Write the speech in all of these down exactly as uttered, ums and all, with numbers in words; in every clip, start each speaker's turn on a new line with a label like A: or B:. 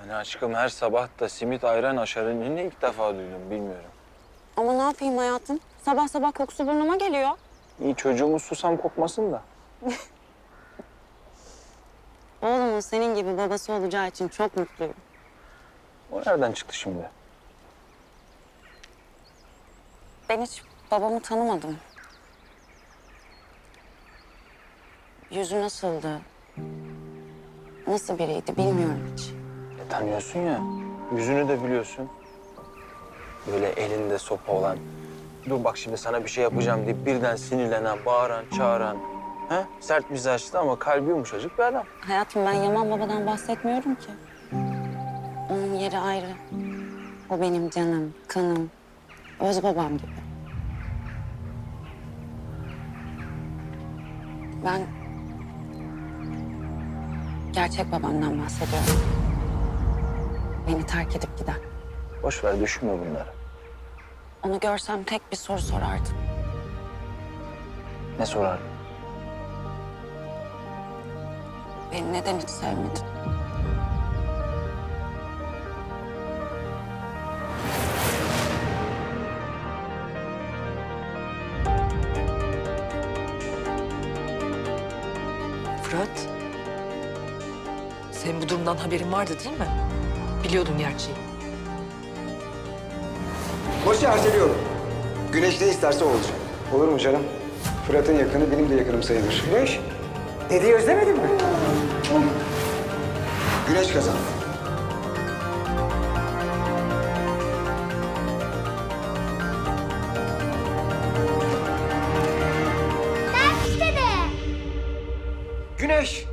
A: Yani aşkım her sabah da simit ayran aşarını ilk defa duydum bilmiyorum.
B: Ama ne yapayım hayatım? Sabah sabah kokusu burnuma geliyor.
A: İyi çocuğumuz susam kokmasın da.
B: Oğlumun senin gibi babası olacağı için çok mutluyum.
A: O nereden çıktı şimdi?
B: Ben hiç babamı tanımadım. Yüzü nasıldı? Nasıl biriydi bilmiyorum hiç.
A: E, tanıyorsun ya. Yüzünü de biliyorsun. Böyle elinde sopa olan. Dur bak şimdi sana bir şey yapacağım deyip birden sinirlenen, bağıran, çağıran. He? Sert mizaçlı ama kalbi yumuşacık bir adam.
B: Hayatım ben Yaman babadan bahsetmiyorum ki. Onun yeri ayrı. O benim canım, kanım, öz babam gibi. Ben gerçek babamdan bahsediyorum. Beni terk edip giden.
A: Boş ver düşünme bunları.
B: Onu görsem tek bir soru sorardım.
A: Ne sorar?
B: Beni neden hiç sevmedin?
C: Fırat, senin bu durumdan haberin vardı değil mi? Biliyordun gerçeği.
D: Boşu erteliyorum. Güneş ne isterse o olacak. Olur mu canım? Fırat'ın yakını benim de yakınım sayılır. Güneş, dedeyi özlemedin mi? Güneş kazandı.
E: Dede,
D: Güneş,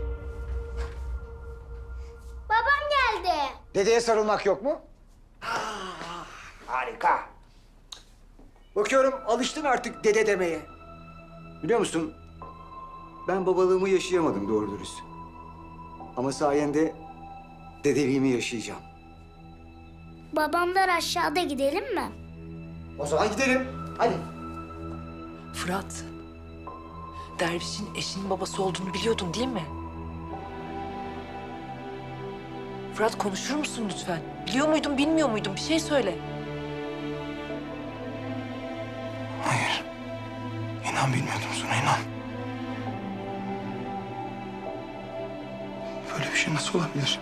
E: babam geldi.
D: dedeye sarılmak yok mu? Ah, harika. Bakıyorum alıştın artık dede demeye. Biliyor musun? Ben babalığımı yaşayamadım doğru dürüst. Ama sayende dedeliğimi yaşayacağım.
E: Babamlar aşağıda gidelim mi?
D: O zaman gidelim. Hadi.
C: Fırat, Derviş'in eşinin babası olduğunu biliyordun değil mi? Fırat konuşur musun lütfen? Biliyor muydun, bilmiyor muydun? Bir şey söyle.
F: Hayır. İnan bilmiyordum Suna, inan. Böyle bir şey nasıl olabilir?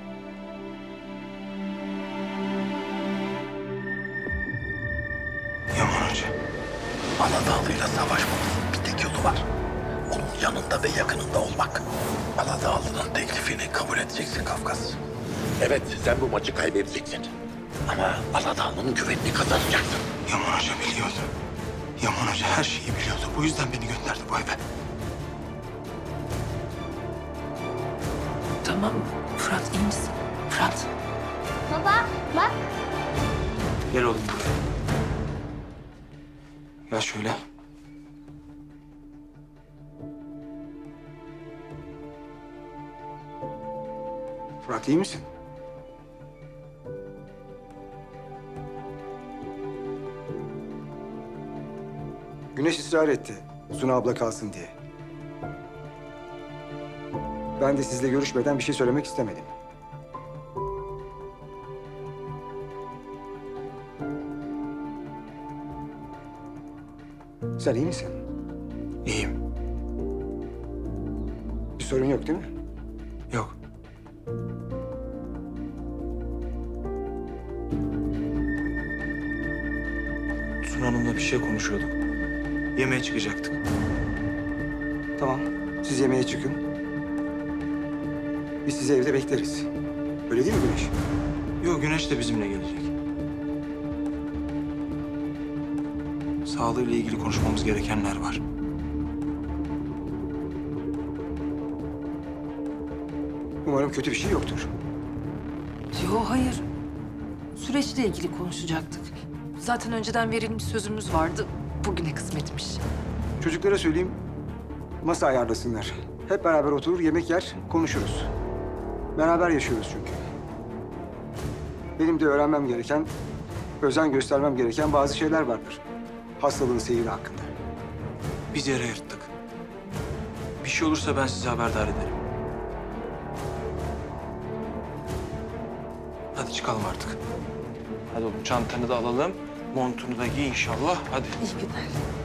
F: Yaman Hoca.
G: Aladağlı'yla savaşmamızın bir tek yolu var. Onun yanında ve yakınında olmak. Aladağlı'nın teklifini kabul edeceksin Kafkas. Evet, sen bu maçı kaybedeceksin. Ama Aladağlı'nın güvenini kazanacaksın.
F: Yaman Hoca biliyordu. Yaman Hoca her şeyi biliyordu. Bu yüzden beni gönderdi bu eve.
C: Tamam, Fırat iyi misin? Fırat,
E: Baba, bak.
F: Gel oğlum buraya. Gel şöyle.
D: Fırat iyi misin? Güneş ısrar etti. Suna abla kalsın diye. Ben de sizle görüşmeden bir şey söylemek istemedim. Sen iyi misin?
F: İyiyim.
D: Bir sorun yok değil mi?
F: Yok. Suna Hanım'la bir şey konuşuyorduk. Yemeğe çıkacaktık.
D: Tamam. Siz yemeğe çıkın. Biz sizi evde bekleriz. Öyle değil mi Güneş?
F: Yok, Güneş de bizimle gelecek. Sağlığıyla ilgili konuşmamız gerekenler var.
D: Umarım kötü bir şey yoktur.
C: yo hayır. Süreçle ilgili konuşacaktık. Zaten önceden verilmiş sözümüz vardı. Bugüne kısmetmiş.
D: Çocuklara söyleyeyim, masa ayarlasınlar. Hep beraber oturur, yemek yer, konuşuruz. Beraber yaşıyoruz çünkü. Benim de öğrenmem gereken, özen göstermem gereken bazı şeyler vardır. Hastalığın seyri hakkında.
F: Biz yere yırttık. Bir şey olursa ben sizi haberdar ederim.
A: Hadi çıkalım artık. Hadi oğlum çantanı da alalım. Montunu da giy inşallah. Hadi.
C: İyi günler.